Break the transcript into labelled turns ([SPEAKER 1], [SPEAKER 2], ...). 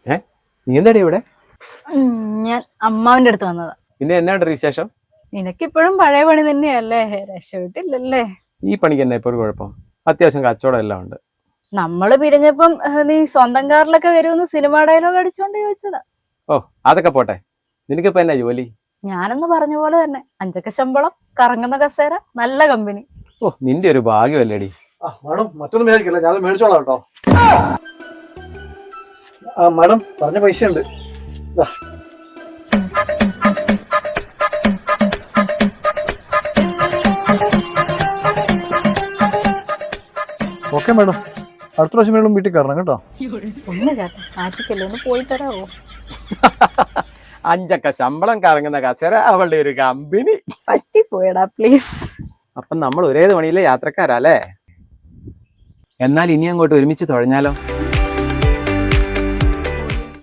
[SPEAKER 1] നീ എന്താടി ഇവിടെ?
[SPEAKER 2] ഞാൻ അമ്മാവിന്റെ അടുത്ത് വന്നതാ.
[SPEAKER 1] പിന്നെ എന്നാണ്ട് വിശേഷം?
[SPEAKER 2] നിനക്കിപ്പോഴും പഴയ പണി തന്നെയല്ലേ, രക്ഷപ്പെട്ടില്ലല്ലേ?
[SPEAKER 1] ഈ പണിക്ക് തന്നെ ഇപ്പൊ ഒരു കുഴപ്പം? അത്യാവശ്യം കച്ചവടം എല്ലാം ഉണ്ട്.
[SPEAKER 2] നമ്മള് പിരിഞ്ഞപ്പം നീ സ്വന്തം കാറിലൊക്കെ വരുമെന്ന് സിനിമ ഡയലോഗ് അടിച്ചോണ്ട് ചോദിച്ചതാ.
[SPEAKER 1] ഓ അതൊക്കെ പോട്ടെ, നിനക്കിപ്പോ എന്നാ ജോലി?
[SPEAKER 2] ഞാനൊന്ന് പറഞ്ഞ പോലെ തന്നെ, 5 ലക്ഷം ശമ്പളം, കറങ്ങുന്ന കസേര, നല്ല കമ്പനി.
[SPEAKER 1] ഓ നിന്റെ ഒരു ഭാഗ്യമല്ലേടി.
[SPEAKER 3] മാഡം മറ്റൊന്നും മേടിക്കില്ല, ഞാൻ മേടിച്ചോളാം കേട്ടോ. മാഡം പറഞ്ഞ പൈസ ഉണ്ട്. ഓക്കെ മാഡം, അടുത്ത പ്രാവശ്യം മേഡം വീട്ടിൽ കയറണം കേട്ടോ.
[SPEAKER 2] ഒന്ന് ചേട്ടാ മാറ്റിക്കല്ലേ, ഒന്ന് പോയി തരാവോ?
[SPEAKER 1] 5 ലക്ഷം ശമ്പളം, കറങ്ങുന്ന കസേര, അവളുടെ ഒരു കമ്പനി.
[SPEAKER 2] പറ്റിപ്പോയടാ പ്ലീസ്.
[SPEAKER 1] അപ്പം നമ്മൾ ഒരേ പണിയിലെ യാത്രക്കാരല്ലേ? എന്നാൽ ഇനി അങ്ങോട്ട് ഒരുമിച്ച് തുഴഞ്ഞാലോ?